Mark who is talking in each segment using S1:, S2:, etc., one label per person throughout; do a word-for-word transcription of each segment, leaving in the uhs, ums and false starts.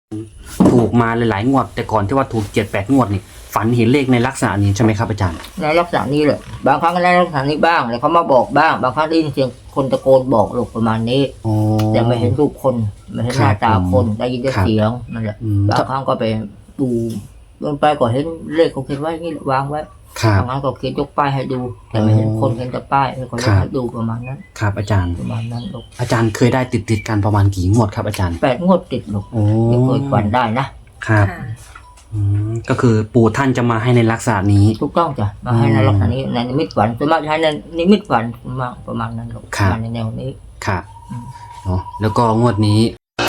S1: ถูกมาหลายๆงวดแต่ก่อนที่ว่าถูกเจ็ดแปดงวดนี่ฝันเห็นเลขในลักษณะนี้ใช่ไหมครับอาจารย์
S2: ในลักษณะนี้เลยบางครั้งก็ในลักษณะนี้บ้างแล้วเขามาบอกบ้างบางครั้งได้ยินเสียงคนตะโกนบอกลูกประมาณนี้แต่ไม่เห็นรูปคนไม่เห็นหน้าตาคนได้ยินแต่เสียงนั่นแหละบางครั้งก็ไปดูลงไปก็เห็นเลขเขาเขียนไว้นี่วางไว้บางครั้งก็เขียนยกป้ายให้ดูแต่ไม่เห็นคนเห็นแต่ป้ายแล้วก็ให้ดูประมาณนั้น
S1: ครับอาจารย์
S2: ประมาณนั้นลูก
S1: อาจารย์เคยได้ติดติดกันประมาณกี่งวดครับอาจารย์
S2: แปดงวดติดลูกไม่เคยฝันได้นะครับ
S1: ก็คือปู่ท่านจะมาให้ในลักษณะนี้
S2: ถูกต้องจ้ะมาให้ในลักษณะนี้ในนิมิตฝันส่วนมากใช้ในนิมิตฝันมาประมาณนั้นลูกมาในแนวนี้
S1: ครับเนาะแล้วก็งวดนี้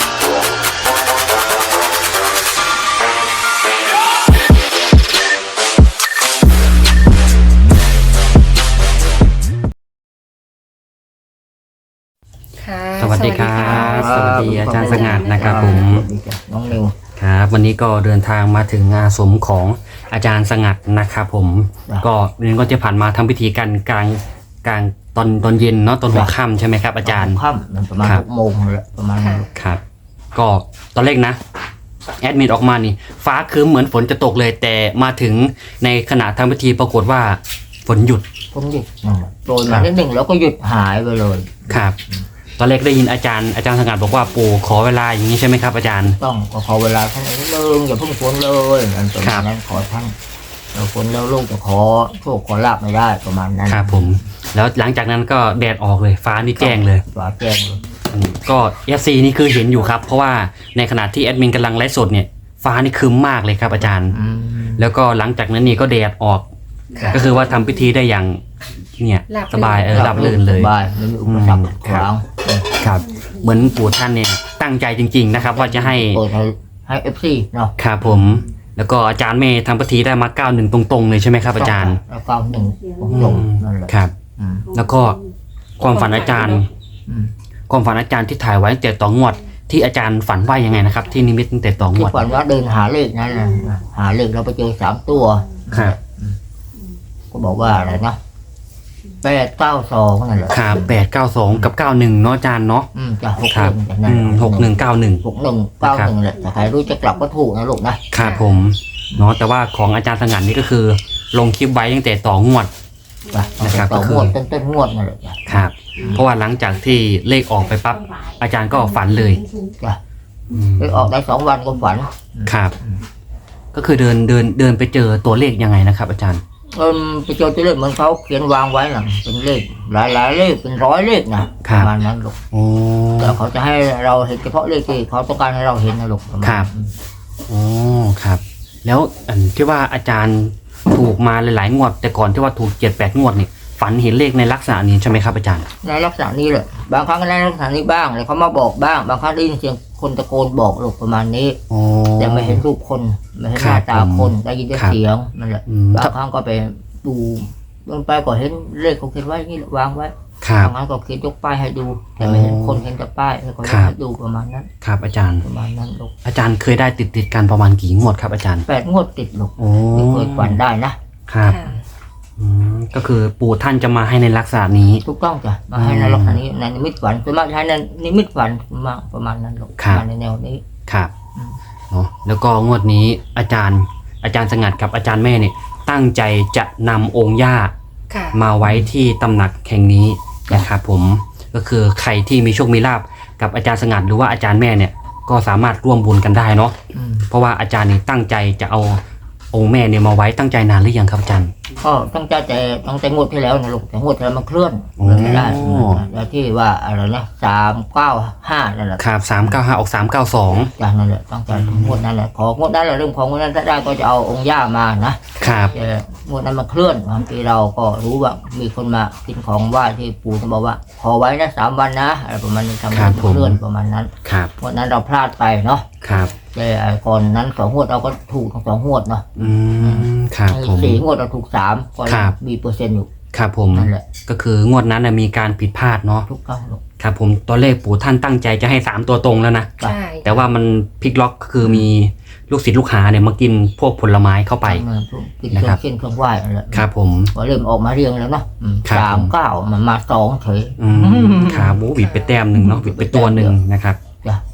S1: สวัสดีครับสวัสดีอาจารย์สงัดนะครับผม
S2: น้องนิว
S1: ครับวันนี้ก็เดินทางมาถึงงานสมของอาจารย์สงัดนะครับผมก็นี่ก็จะผ่านมาทำพิธีกันกลางกลางตอนตอนเย็นเนาะตอนหัวค่ำใช่ไหมครับอาจารย์
S2: ค่ำประมาณหกโมงเลยประมาณนั้น
S1: ครับก็ตอนแรกนะแอดมิดออกมานี่ฟ้าคืมเหมือนฝนจะตกเลยแต่มาถึงในขณะทำพิธีปรากฏว่าฝนหยุด
S2: ฝนหยุดโปรยมานิดหนึ่งแล้วก็หยุดหายไปเลย
S1: ครับตอนแรกได้ยินอาจารย์อาจารย์สงัดบอกว่าปู่ขอเวลาอย่างนี้ใช่ไหมครับอาจารย์
S2: ต้องขอเวลาท่านนิดนึงอย่าเพิ่งฝนเลยอันประมาณนั้นขอท่านเราฝนแล้วลูกจะขอโชคขอลาภไม่ได้ประมาณนั้น
S1: ครับผมแล้วหลังจากนั้นก็แดดออกเลยฟ้านี่แจ้งเลย
S2: ฟ้าแจ้งเลย
S1: ก็เอฟซีนี่คือเห็นอยู่ครับเพราะว่าในขณะที่แอดมินกำลังไลฟ์สดเนี่ยฟ้านี่ครึ้มมากเลยครับอาจารย์แล้วก็หลังจากนั้นนี่ก็แดดออกก็คือว่าทำพิธีได้อย่างเนี่ยสบายเออรับลื่นเลย
S2: สบายไม่มีอุปสรรคขวาง
S1: ครับเหมือนปู่ท่านเนี่ยตั้งใจจริงๆนะครับว่าจะให้
S2: ให้เอฟซีเนาะ
S1: ครับผมแล้วก็อาจารย์เมย์ทำพิธีได้มาเก้าหนึ่งตรงๆเลยใช่ไหมครับอาจารย์
S2: เก้าหนึ่งตรงนั่นแหละ
S1: ครับแล้วก็ความฝันอาจารย์ความฝันอาจารย์ที่ถ่ายไว้ตั้งแต่ต่องวดที่อาจารย์ฝันว่ายังไงนะครับที่นิมิตตั้งแต่ต่องวด
S2: ฝันว่าเดินหาเลขนั่นแหละหาเลขเราไปเจอสามตัว
S1: ครับ
S2: ก็บอกว่าอะไรนะแปดเก้าสองนั่นแหละ
S1: ครับแปดเก้าสองกับเก้าหนึ่งเนาะอาจารย์เนาะ
S2: อืมจะหก
S1: หนึ่งหกหนึ่งเก้าหนึ่ง
S2: หกหนึ่งเก้าหนึ่งแหละแต่ใครรู้จะกลับก็ถูกนะลูก
S1: นะครับผมเนาะแต่ว่าของอาจารย์สงัดนี่ก็คือลงคลิปไว้ตั้งแต่ต่องวด
S2: นะครับก็คือต้นต้นงวดนั่นแหละ
S1: ครับเพราะว่าหลังจากที่เลขออกไปปั๊บอาจารย์ก็ฝันเลย
S2: เลขออกได้สองวันก็ฝัน
S1: ครับก็คือเดินเดินเดินไปเจอตัวเลขยังไงนะครับอาจารย์
S2: เออไปเจอตัวเลขเหมือนเขาเขียนวางไว้น่ะเป็นเลขหลายหลายเลขเป็นร้อยเลขนะประมาณนั้นลูกแต่เขาจะให้เราเห็นเฉพาะเลขที่เขาต้องการให้เราเห็นนะลูก
S1: ครับอ๋อครับแล้วอันที่ว่าอาจารย์ถูกมาหลายๆงวดแต่ก่อนที่ว่าถูกเจ็ดแปดงวดนี่ฝันเห็นเลขในลักษณะนี้ใช่ไหมครับอาจารย์
S2: ในลักษณะนี้เลยบางครั้งก็ในลักษณะนี้บ้างแล้วเขามาบอกบ้างบางครั้งได้ยินเสียงคนตะโกนบอกลูกประมาณนี้แต่ไม่เห็นรูปคนไม่เห็นหน้าตาคนได้ยินแต่เสียงนั่นแหละบางครั้งก็ไปดูลงไปก็เห็นเลขเขาเขียนไว้นี่วางไว้บางครั้งก็เขียนยกป้ายให้ดูแต่ไม่เห็นคนเห็นแต่ป้ายแล้วก็ให้ดูประมาณนั้น
S1: ครับอาจารย์
S2: ประมาณนั้นลูก
S1: อาจารย์เคยได้ติดติดกันประมาณกี่งวดครับอาจารย์
S2: แปดงวดติดลูกไม่เคยฝันได้
S1: นะครับก็คือปู่ท่านจะมาให้ในลักษณะนี้
S2: ถูกต้องจ้ะมาให้ในลักษณะนี้ในนิมิตฝันส่วนมากใช้ในนิมิตฝันมาประมาณนั้นลูกมาในแนวนี้
S1: ครับเนาะแล้วก็งวดนี้อาจารย์อาจารย์สงัดกับอาจารย์แม่เนี่ยตั้งใจจะนำองค์ย่ามาไว้ที่ตำหนักแห่งนี้นะครับผมก็คือใครที่มีโชคมีลาภกับอาจารย์สงัดหรือว่าอาจารย์แม่เนี่ยก็สามารถร่วมบุญกันได้เนาะเพราะว่าอาจารย์นี่ตั้งใจจะเอาองค์แม่เนี่ยมาไว้ตั้งใจนานหรือยังครับอาจารย์
S2: ก็ตั้งใจแต่ตั้งแต่งวดที่แล้วนะลูกแต่งวดที่แล้วมันเคลื่อนไม่ได้แล้วที่ว่าอะไรนะสามเก้าห้านั่นแหละ
S1: ครับสามเก้าห้าออกสามเก้าสอง
S2: จ้ะนั่นแหละตั้งใจงวดนั้นแหละของวดนั้นแหละเรื่องของงวดนั้นถ้าได้ก็จะเอาองค์ย่ามานะครับแต่งวดนั้นมันเคลื่อนบางทีเราก็รู้ว่ามีคนมากินของไหว้ที่ปู่จะบอกว่าขอไว้นะสามวันนะอะไรประมาณนี้ทำให้เคลื่อนประมาณนั้นงวดนั้นเราพลาดไปเนาะ
S1: ครับ
S2: แต่ก่อนนั้นสองงวดเราก็ถูกทั้งสองงวดเนาะ
S1: อืมครับผม
S2: สี่งวดเราถูกสามก็มีเปอร์เซ็นต์อยู่
S1: ครับผมนั่นแหละก็คืองวดนั้นมีการผิดพลาดเนาะ
S2: ทุกครั้ง
S1: ครับผมตัวเลขปู่ท่านตั้งใจจะให้สามตัวตรงแล้วนะใช่แต่ว่ามันพลิกล็อกคือมีลูกศิษย์ลูกหาเนี่ยมากินพวกผลไม้เข้าไป
S2: นะครับเช่นเครื่องไหว้นั่นแหละ
S1: ครับผม
S2: ก็เริ่มออกมาเรียงแล้วเนาะสามเก้ามันมาสองเฉย
S1: ขาบูบิดไปแต้มหนึ่งเนาะบิดไปตัวหนึ่งนะครับ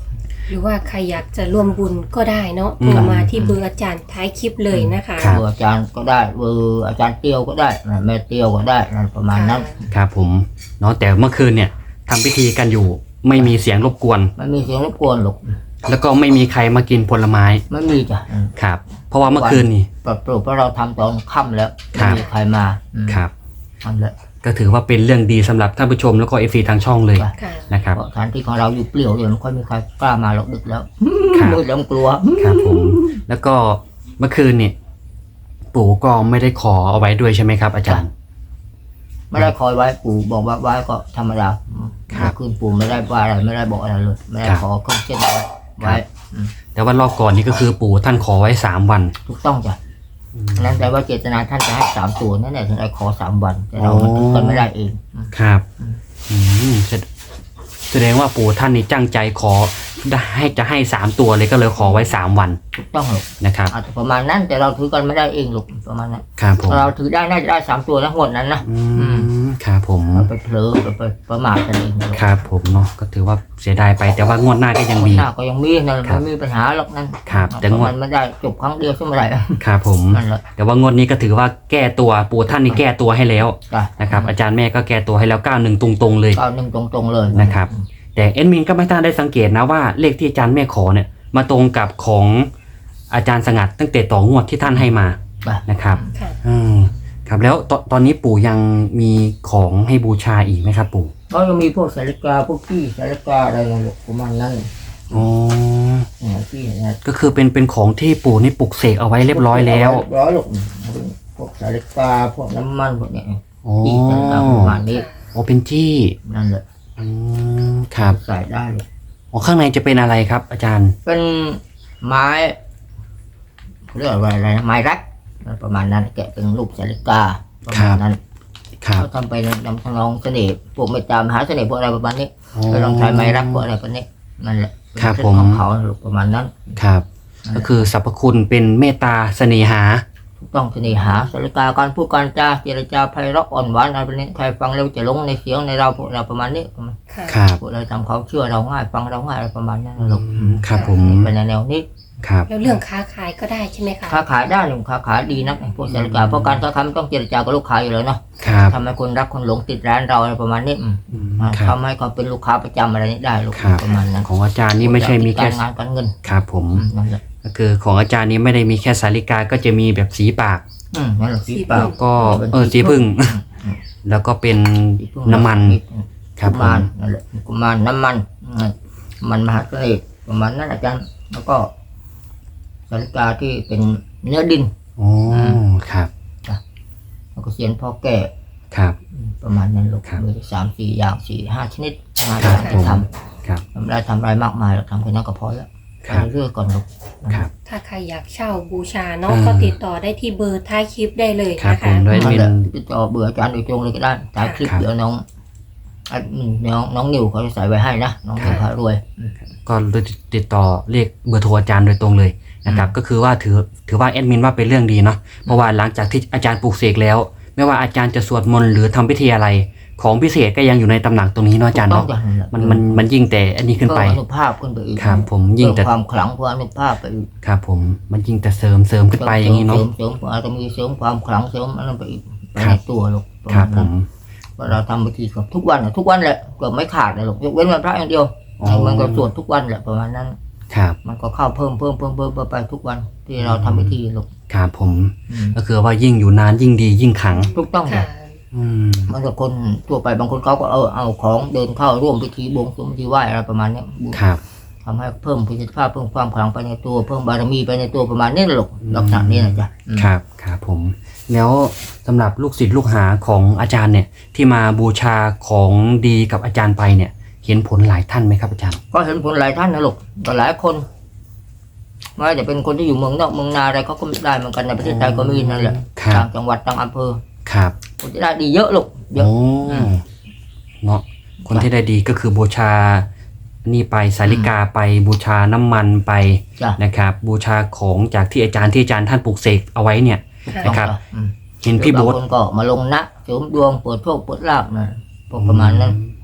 S3: หรือว่าใครอยากจะร่วมบุญก็ได้เนาะ
S1: อื
S3: โท
S1: ม
S3: รมาที่เบอร์อาจารย์ท้ายคลิปเลยนะคะ
S1: ครับ
S2: เบอร์อาจารย์ก็ได้เบอร์อาจารย์เตียวก็ได้นะแม่เตียวก็ได้นั่นประมาณนั้น
S1: ครับผมเนาะแต่เมื่อคืนเนี่ยทำพิธีกันอยู่ไม่มีเสียงรบกวน
S2: ไม่มีเสียงรบกวนหรอก
S1: แล้วก็ไม่มีใครมากินผลไม้
S2: ไม่มีจ้ะอืม
S1: ครับ เพราะว่าเมื่อคืนนี่
S2: ปรับปรุงเพราะเราทำตอนค่ำแล้ว
S1: ครั
S2: ไม่
S1: บ
S2: มีใครมาอืม
S1: ครับ
S2: นั่นแหละ
S1: ก็ถือว่าเป็นเรื่องดีสำหรับท่านผู้ชมแล้วก็เอฟซีทางช่องเลย
S2: ครับ
S3: ค่ะ
S1: นะครับ
S2: เพราะสถานที่ของเราอยู่เปลี่ยวเดี๋ยวไม่ค่อยมีใครกล้ามาหรอกดึกแล้ว
S1: ครับ
S2: มืดแล้วกลัว
S1: ครับผม แล้วก็เมื่อคืนนี่ปู่ก็ไม่ได้ขอเอาไว้ด้วยใช่ไหมครับ อาจารย์
S2: ไม่ได้คอยไว้ปู่บอกว่าไว้ก็ธรรมดา
S1: ครับ
S2: เมื่อคืนปู่ไม่ได้ว่าอะไรไม่ได้บอกอะไรเลย ไม่ได้
S1: ครับ
S2: ขอเครื่องเส้นไว้ไว้อืม
S1: แต่ว่ารอบก่อนนี่ก็คือปู่ท่านขอไว้สามวัน
S2: ถูกต้องจ้ะนั่นแปลว่าเจตนาท่านจะให้สามตัวนั่นแหละถึงได้ขอสามวัน แต่เรา
S1: อ๋อ
S2: มันถึงกันไม่ได้เองอืม
S1: ครับอืมแสดแสดงว่าปู่ท่านนี่ตั้งใจขอได้ให้จะให้สามตัวเลยก็เลยขอไว้สามวัน
S2: ถูกต้องหรอก
S1: นะครับ
S2: อาจจะประมาณนั้นแต่เราถือกันไม่ได้เองหรอกประมาณนั้น
S1: ครับผม
S2: เราถือได้น่าจะได้สามตัวนะงวดนั้นนะ
S1: อืมครับผม
S2: เราไปเผลอไปไปประมาทกันเองหรอก
S1: ครับผมเนาะก็ถือว่าเสียดายไปแต่ว่างวดหน้าก็ยังมี
S2: หน้าก็ยังมีนั่น
S1: ครับ
S2: ไม่มีปัญหาหรอกนั่น
S1: ครับแต่งวด
S2: มันไม่ได้จบครั้งเดียวใช่ไหมไร
S1: ครับผม
S2: นั่นแหละ
S1: แต่ว่างวดนี้ก็ถือว่าแก้ตัวปู่ท่านนี่แก้ตัวให้แล้ว
S2: จ้ะ
S1: นะครับ อาจารย์แม่ก็แก้ตัวให้แล้วเก้าหนึ่งตรงๆเลย
S2: เก้าหนึ่งตรงๆเลย
S1: นะครับ แต่เอ็ดมินก็ไม่ทันได้สังเกตนะว่าเลขที่อาจารย์แม่ขอเนี่ยมาตรงกับของอาจารย์สงัดตั้งแต่ต่องวดที่ท่านให้มา
S2: จ้ะ
S1: นะครับ
S3: ค่ะ
S1: อืมครับแล้วตตอนนี้ปู่ยังมีของให้บูชาอีกไหมครับปู่
S2: ก็ยังมีพวกสาริกาพวกขี้สาริกาอะไรนั่นแหละประมาณนั้น
S1: อ๋อ
S2: เนี่ยขี้เนี่ย
S1: ก็คือเป็นเป็นของที่ปู่นี่ปลุกเสกเอาไว้เรียบร้อยแล้ว
S2: เรียบร้อยหรอกพวกสาริกาพวกน้ำมันพวกเนี้ย
S1: อ๋อ
S2: ขี้สาริกาประมาณนี้
S1: โอ้เป็นจี้
S2: นั่นแหละ
S1: อืมครับ
S2: ใส่ได้เลย
S1: อ๋อข้างในจะเป็นอะไรครับ อาจารย์
S2: เป็นไม้เขาเรียกว่าอะไรนะไม้รักประมาณนั้นแกะเป็นรูปสาริกาประมาณนั้น
S1: ครับ
S2: เขาทำไปนำทำนองเสน่ห์พวกเมตตามหาเสน่ห์พวกอะไรประมาณนี้
S1: อ๋อ
S2: ก็ลองใช้ไม้รักพวกอะไรประมาณนี้นั่นแหละ
S1: ครับ
S2: เป็น
S1: ผม
S2: ของเขาประมาณนั้น
S1: ครับ ก็คือสรรพคุณเป็นเมตตาเสน่หา
S2: ถูกต้องเสน่หาสาริกาการพูดการจาเจรจาไพเราะอ่อนหวานอะไรประมาณนี้ใครฟังแล้วจะหลงในเสียงในเราพวกเราประมาณนี้
S3: ค่ะ
S1: ครับ
S2: พวกเราทำเขาเชื่อเราง่ายฟังเราง่ายอะไรประมาณนั้นนะลูก
S1: อืมครับผม
S2: เป็นแนวนี้
S1: ครับ
S3: แล้วเรื่องค้าขายก็ได้ใช่ไหมคะ
S2: ค้าขายได้หรือค้าขายดีนักพวกสาริกาเพราะการค้าขายมันต้องเจรจากับลูกค้าอยู่แล้วเนาะ
S1: ครับ
S2: ทำให้คนรักคนหลงติดร้านเราอะไรประมาณนี้อืม
S1: อืมครับ
S2: ทำให้เขาเป็นลูกค้าประจำอะไรนี้ได้ลูก
S1: ครับ
S2: ประมาณนั้น
S1: ของอาจารย์นี่ไม่ใช่มีแค่
S2: การงานการเงิน
S1: ครับผม
S2: อืมนั่นแหละ
S1: ก็คือของอาจารย์นี้ไม่ได้มีแค่สาริกาก็จะมีแบบสีปาก
S2: อืมนั่นแหละสีเปล่า
S1: แล้วก็เออสีพึ่ง แล้วก็เป็น
S2: สีพึ่ง
S1: น้ำมัน ครับ
S2: กุ
S1: ผม
S2: มารนั่นแหละกุมารน้ำมันอืมมันมหาเสน่ห์ประมาณนั้นอาจารย์แล้วก็สาริกาที่เป็นเนื้อดิน
S1: อ๋อครับ
S2: แล้วก็เสียนพ่อแก่
S1: ครับ
S2: อืมประมาณนั้นลูก
S1: ครับ
S2: มีสามสี่อย่างสี่ห้าชนิดมา
S1: ครับ
S2: ท
S1: ผม
S2: ำ
S1: ครับ
S2: ทำได้ทำอะไรมากมายเราทำแค่นั้นก็พอแล้ว
S1: ครับ
S2: ไปเรื่อยๆก่อนลูก
S1: ครับ
S3: ถ้าใครอยากเช่าบูชาเนาะ
S1: อืม
S3: ก็ติดต่อได้ที่เบอร์ท้ายคลิปได้เลย
S1: ครับ
S3: นะ
S1: ผ
S3: คะ
S1: มด้วย
S2: นั่น
S1: เป็น
S2: แหละติดต่อเบื่ออาจารย์โดยตรงเลยก็ได้ถ่ายคลิป
S1: ครับ
S2: เดี๋ยวน้องอ่ะอืมน้องน้องนิวเขาจะใส่ไว้ให้นะน้องนิวพารวยอืม
S1: ก็ติดต่อเรียกเบอร์โทรอาจารย์โดยตรงเลยนะครับ ก็คือว่าถือถือว่าแอดมินว่าเป็นเรื่องดีเนาะเพราะว่าหลังจากที่อาจารย์ปลูกเสกแล้ว ไม่ว่าอาจารย์จะสวดมนต์หรือทำพิธีอะไร ของพิเศษก็ยังอยู่ในตำหนักตรงนี้เนาะอาจารย์
S2: ต้อ
S1: เนาะ
S2: งอย่างนั้นแหละ
S1: มันมันมันยิ่งแต่อันนี้ขึ้นไป
S2: เพิ่มอนุภาพขึ้นไปอีก
S1: ครับผมยิ่งแต่
S2: เพิ่มความขลังเพิ่มอนุภาพไปอีก
S1: ครับผมมันยิ่งแต่เสริมเสริมขึ้นไปอย่างนี้เนาะ
S2: เสริมเสริมอาจจะมีเสริมความขลังเสริมอะไรไปอีกไป
S1: ครั
S2: ใน
S1: บ
S2: ตัวลูกประ
S1: ครั
S2: มา
S1: บ
S2: ณ
S1: ผ
S2: นั้น
S1: ม
S2: ว่าเราทำพิธีกับทุกวันน่ะทุกวันแหละเกือบไม่ขาดเลยลูกยกเว้นวันพระอย่างเดียว
S1: อ๋อ
S2: มันก็สวดทุกวันแหละประมาณนั้น
S1: ครับ
S2: มันก็เข้าเพิ่มเพิ่มเพิ่มเพิ่มเพิ่มไปทุกวันที่เราทำพิธีลูก
S1: ครับผม
S2: อืม
S1: ก็คือว่ายิ่งอยู่นานยิ่งดียิ่งขลัง
S2: ถูกต้องเล
S3: ค่ะ
S2: ย
S1: อืม
S2: มันก็คนทั่วไปบางคนเขาก็เออเอาของเดินเข้าร่วมพิธีบวงสรวงพิธีไหว้อะไรประมาณเนี้ย
S1: ครับ
S2: ทำให้เพิ่มประสิทธิภาพเพิ่มความขลังไปในตัวเพิ่มบารมีไปในตัวประมาณนี้แหละลูกลักษณะนี้นะจ๊ะอืม
S1: ครับครับผม แล้วสำหรับลูกศิษย์ลูกหาของอาจารย์เนี่ย ที่มาบูชาของดีกับอาจารย์ไปเนี่ย เห็นผลหลายท่านไหมครับอาจารย์
S2: ก็เห็นผลหลายท่านนะลูกก็หลายคนไม่ว่าจะเป็นคนที่อยู่เมืองนอกเมืองนาอะไรเขาก็ได้เหมือนกันในประเทศไทยก็มีนั่นแหละ
S1: ครับ
S2: ต่างจังหวัดต่างอำเภอ
S1: ครับ
S2: คนที่ได้ดีเยอะลูกเยอะ
S1: โอ้
S2: อืม
S1: เนาะคนที่ได้ดีก็คือบูชานี่ไปสาริกาไปบูชาน้ำมันไป
S2: จ้ะ
S1: นะครับ บูชาของจากที่อาจารย์ที่อาจารย์ท่านปลูกเสกเอาไว้เนี่ย
S3: ค่ะ
S1: นะครับ
S2: อืม
S1: เห็นพี่โบ๊ท
S2: บางคนก็มาลงนะเสริมดวงเปิดโชคเปิดลาภนะพวกประมาณนั้น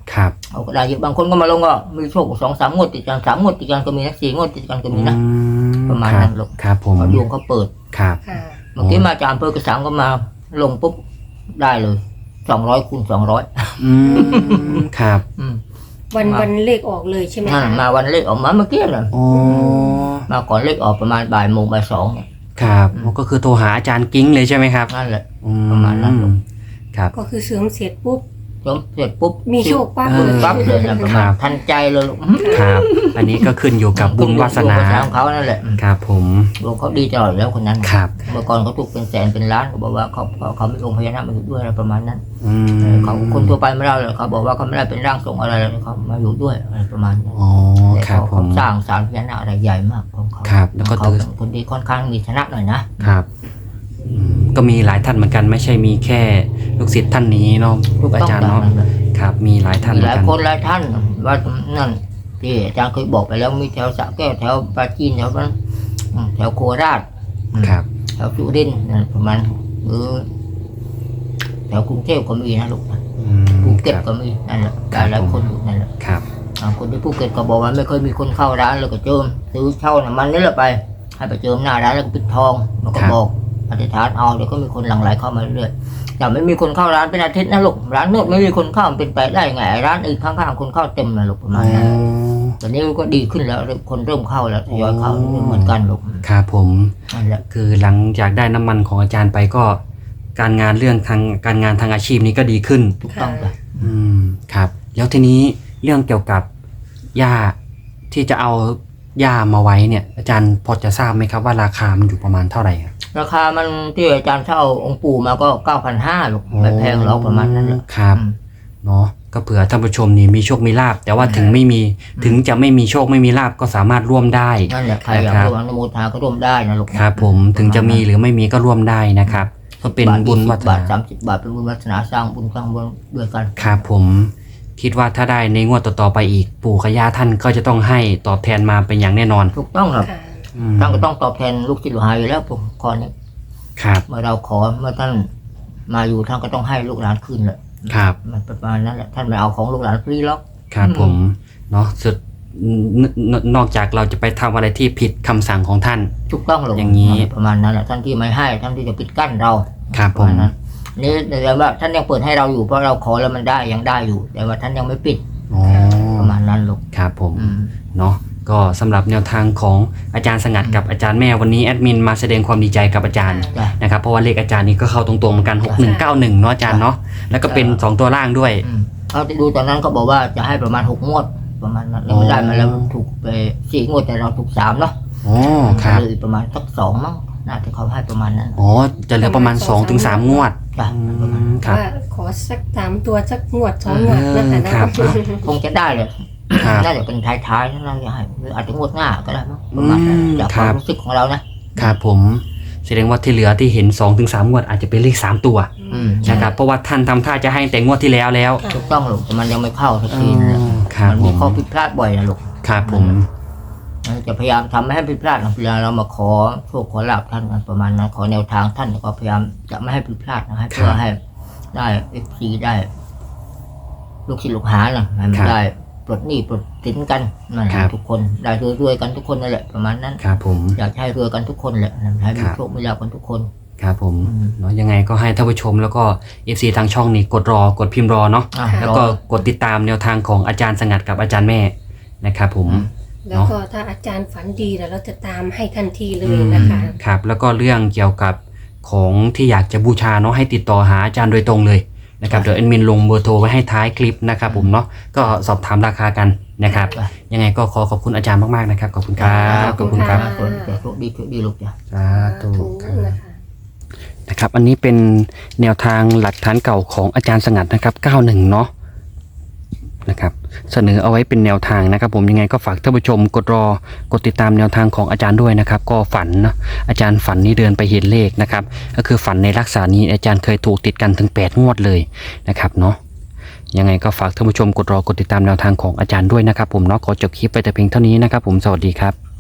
S1: ครับ
S2: เขาก็ได้เยอะบางคนก็มาลงก็มีโชคสองสามงวดติดกันสามงวดติดกันก็มีนะสี่งวดติดกันก็มีนะ
S1: อื
S2: ประมาณนั้นลูก
S1: ครับผม
S2: เขาดวงเขาเปิด
S1: ครับ
S3: ค่ะ
S2: เมื่อกี้มาจากอำเภอกระสังก็มาลงปุ๊บได้เลยสองร้อยคูณสองร้อย
S1: อืมครับ
S3: วัน
S2: มา
S3: วันเลขออกเลยใช่ไหม
S2: นั่น
S3: คะ
S2: มาวันเลขออกมาเมื่อกี้เลย
S1: อ๋อ
S2: มาก่อนเลขออกประมาณบ่ายโมงบ่ายสองเนี่ย
S1: ครับก็คือโทรหาอาจารย์กิ้งเลยใช่ไหมครับ
S2: นั่นแหละ
S1: อื
S2: ประมาณนั้นลูก
S1: ครับ
S3: ก็คือเสริมเสร็จปุ๊บ
S2: จมเสร็จปุ๊บ
S3: มีโชคปั๊บ
S1: เอ
S3: เล
S1: อ
S3: ย
S2: ปั๊บเลยนะประ
S1: ครั
S2: มาณ
S1: บ
S2: ทันใจเลยลูก
S1: ครับ อันนี้ก็ขึ้นอยู่กับบุญวาสนา
S2: บุญของเขานั่นแหละ
S1: ครับผม
S2: ลูกเขาดีตลอดแล้วคนนั้น
S1: ครับ
S2: เมื่อก่อนเขาถูกเป็นแสนเป็นล้านเขาบอกว่าเขาเขาเขาไม่ลงพญานาคมาอยู่ด้วยอะไรประมาณนั้น
S1: อืม
S2: เขาคนทั่วไปไม่ได้เลยเขาบอกว่าเขาไม่ได้เป็นร่างทรงอะไรเลยเขามาอยู่ด้วยอะไรประมาณนั้น
S1: อ๋อ
S2: แต่
S1: ครับ
S2: เขา
S1: ผ
S2: เขา
S1: ม
S2: สร้างศาลพญานาคอะไรใหญ่มากของเขา
S1: ครับแล้วก็
S2: เขาเป็นคนที่ค่อนข้างมีชนะหน่อยนะครับ
S1: อืมก็มีหลายท่านเหมือนกันไม่ใช่มีแค่ลูกศิษย์ท่านนี้เนาะ
S2: ถูก
S1: อา
S2: ต้อง
S1: จารย์
S2: ตาม
S1: เนาะ
S2: นั้นเลย
S1: ครับ มีหลายท่าน
S2: มี
S1: เหมื
S2: ห
S1: อน
S2: ลาย
S1: กัน
S2: คนหลายท่านว่านั่นที่อาจารย์เคยบอกไปแล้วมีแถวสระแก้วแถวปราจีนแถวนั้นอืมแถวโคราชอืม
S1: ครับ
S2: แถวสุรินทร์นั่นประมาณหรือแถวกรุงเทพก็มีนะลูกนะ
S1: อืม
S2: ภูเก็ต
S1: ครับ
S2: ก็มีนั่นแหละ
S1: ครับ
S2: หลายๆคนอยู่นั่นแหละ
S1: ครับ
S2: อ่าคนที่ภูเก็ตก็บอกว่าไม่เคยมีคนเข้าร้านแล้วก็เจิมซื้อเช่าน้ำมันนี่แหละไป ให้ไปเจิมหน้าร้านแล้วก็ปิดทองแล้วก็บอกอธิษฐานเอาเดี๋ยวก็มีคนหลั่งไหลเข้ามาเรื่อยๆแต่ไม่มีคนเข้าร้านเป็นอาทิตย์นะลูกร้านนวดไม่มีคนเข้ามันเป็นไปได้ไงร้านอื่นข้างๆคนเข้าเต็มนะลูกประ
S1: อ๋
S2: มา
S1: อ
S2: ณนั้นตอนนี้ก็ดีขึ้นแล้วคนเริ่มเข้าแล้วทยอยเข้าเหมือนกันลูก
S1: ครับผม
S2: นั่นแหละ
S1: คือหลังจากได้น้ำมันของอาจารย์ไปก็ การงานเรื่องทางการงานทางอาชีพนี้ก็ดีขึ้น
S2: ถูกต้องจ้ะ
S1: อืมครับ แล้วทีนี้เรื่องเกี่ยวกับหญ้าที่จะเอาหญ้ามาไว้เนี่ย อาจารย์พอจะทราบไหมครับว่าราคามันอยู่ประมาณเท่าไหร่ครับ
S2: ราคามันที่อาจารย์เช่าองค์ปู่มาก็เก้าพันห้าลูกไม่แพงหรอกประมาณนั้นแหละ
S1: ครับ
S2: อืม
S1: เนาะก็เผื่อท่านผู้ชมนี่มีโชคมีลาบแต่ว่าถึงไม่มีถึงจะไม่มีโชคไม่มีลาบก็สามารถร่วมได้
S2: นั่นแหละใครอยาก
S1: ครับ
S2: ร่วมอนุโมทนาก็ร่วมได้นะลูก
S1: ครับผมถึงจะมีหรือไม่มีก็ร่วมได้นะครับ ก็เป็นบุญวัฒ
S2: บาท
S1: นา
S2: สามสิบบาทเป็นบุญวัฒนาสร้างบุญสร้างบุญด้วยกัน
S1: ครับผมคิดว่าถ้าได้ในงวดต่อๆไปอีกปู่กับย่าท่านก็จะต้องให้ตอบแทนมาเป็นอย่างแน่นอน
S2: ถูกต้องครับ
S3: ค่ะ
S1: อืม
S2: ท่านก็ต้องตอบแทนลูกศิษย์ลูกหาอยู่แล้วผมขอนี้
S1: ครับ
S2: เมื่อเราขอเมื่อท่านมาอยู่ท่านก็ต้องให้ลูกหลานคืนแหละ
S1: ครับ
S2: มันประมาณนั้นแหละท่านไม่เอาของลูกหลานฟรีหรอก
S1: ครับผมเนาะสุดนนนอกจากเราจะไปทำอะไรที่ผิดคำสั่งของท่าน
S2: ถูกต้องหรอก
S1: อย่างนี้
S2: ประมาณนั้นแหละท่านที่ไม่ให้ท่านที่จะปิดกั้นเรา
S1: ครับ
S2: ป
S1: ผ
S2: ระ
S1: ม
S2: มาณนั้นนี่แต่ว่าท่านยังเปิดให้เราอยู่เพราะเราขอแล้วมันได้ยังได้อยู่ แต่ว่าท่านยังไม่ปิด
S1: อ๋อ
S2: ประมาณนั้นลูก
S1: ครับผม
S2: อืม
S1: เนาะก็สำหรับแนวทางของอาจารย์สงัดกับอาจารย์แม่วันนี้แอดมินมาแสดงความดีใจกับอาจารย์
S2: จ้ะ
S1: นะครับเพราะว่าเลขอาจารย์นี่ก็เข้าตรงๆเหมือนกันหกหนึ่งเก้าหนึ่งเนาะอาจารย์เนาะแล้วก็เป็นสองตัวล่างด้วย
S2: อืมเขาที่ดูตอนนั้นก็บอกว่าจะให้ประมาณหกงวดประมาณนั้นแล้วไม่ได้มาแล้วถูกไปสี่งวดแต่เราถูกสามเนาะ
S1: อ๋อครับ
S2: เหลือประมาณสักสองมั้งน่าจะเขาให้ประมาณนั้น
S1: อ๋อจะเหลือประมาณสองถึงสามงวด
S2: จ้ะ
S1: อื
S2: ประมาณ
S1: มครับ
S3: ว่าขอสักสามตัวสักงวดสองงวดนะคะ
S1: ครั
S3: นะ
S1: บ
S2: คงจะได้เลย
S1: ครับ
S2: น่าจะเป็นท้ายๆนั่นเราจะให้หรืออาจจะงวดหน้าก็ได้มั้งประมาณนั้น
S1: อืม
S2: จาก
S1: ค
S2: ค
S1: รั
S2: วาม
S1: บ
S2: รู้สึกของเรานะครับ
S1: ผมแสดงว่าที่เหลือที่เห็นสองถึงสามงวดอาจจะเป็นเลขสามตัว
S2: อืม
S1: นะครับเพราะว่าท่านทำท่าจะให้แต่งวดที่แล้วแล้ว
S2: ถูกต้องลูกแต่มันยังไม่เข้าสัก
S1: อ๋
S2: ทีนะ
S1: อครับ
S2: มัน
S1: ผ
S2: มี
S1: ม
S2: ข้อผิดพลาดบ่อยนะลูก
S1: ครับผม
S2: เราจะพยายามทำไม่ให้ผิดพลาดนะเวลาเรามาขอโชคขอลาบท่านกันประมาณนั้นขอแนวทางท่านก็พยายามจะไม่ให้ผิดพลาดนะให้เพื่อให้ได้เอฟซีได้ ลูกศิษย์ลูกหานะให้มันได้ปลดหนี้ปลดสินกันนั่นแหละทุกคนได้รวยๆกันทุกคนนั่นแหละประมาณนั้น
S1: ครับผม
S2: อยากให้รวยกันทุกคนแหละให้มีโชคมีลาภกันทุกคน
S1: ครับผม
S2: อืม
S1: เนาะยังไงก็ให้ท่านผู้ชมแล้วก็ เอฟ ซี ทางช่องนี่กดรอกดพิมพ์รอเนาะ
S2: อ่ะ
S1: แล้วก็กดติดตามแนวทางของอาจารย์สงัดกับอาจารย์แม่นะครับผม
S3: แล้วก็ถ้าอาจารย์ฝันดีแล้วเราจะตามให้ทันทีเลยนะคะ
S1: ครับแล้วก็เรื่องเกี่ยวกับของที่อยากจะบูชาเนาะให้ติดต่อหาอาจารย์โดยตรงเลยนะครับเดี๋ยวแอดมินลงเบอร์โทรไว้ให้ท้ายคลิปนะครับผมเนาะก็สอบถามราคากันนะครับ
S2: จ้ะ
S1: ยังไงก็ขอขอบคุณอาจารย์มากๆนะครับขอบคุณครับขอบคุณครับ
S2: คนจะโชคดีโชคดีลูกจ้ะ
S1: สาธุครับ
S3: นะคะ
S1: นะครับอันนี้เป็นแนวทางหลักฐานเก่าของอาจารย์สงัดนะครับเก้าสิบเอ็ดเนาะนะครับเสนอเอาไว้เป็นแนวทางนะครับผมยังไงก็ฝากท่านผู้ชมกดรอกดติดตามแนวทางของอาจารย์ด้วยนะครับก็ฝันนะอาจารย์ฝันนี่เดินไปเห็นเลขนะครับก็คือฝันในลักษณะนี้อาจารย์เคยถูกติดกันถึงแปดงวดเลยนะครับเนาะยังไงก็ฝากท่านผู้ชมกดรอกดติดตามแนวทางของอาจารย์ด้วยนะครับผมเนาะขอจบคลิปไปแต่เพียงเท่านี้นะครับผมสวัสดีครับ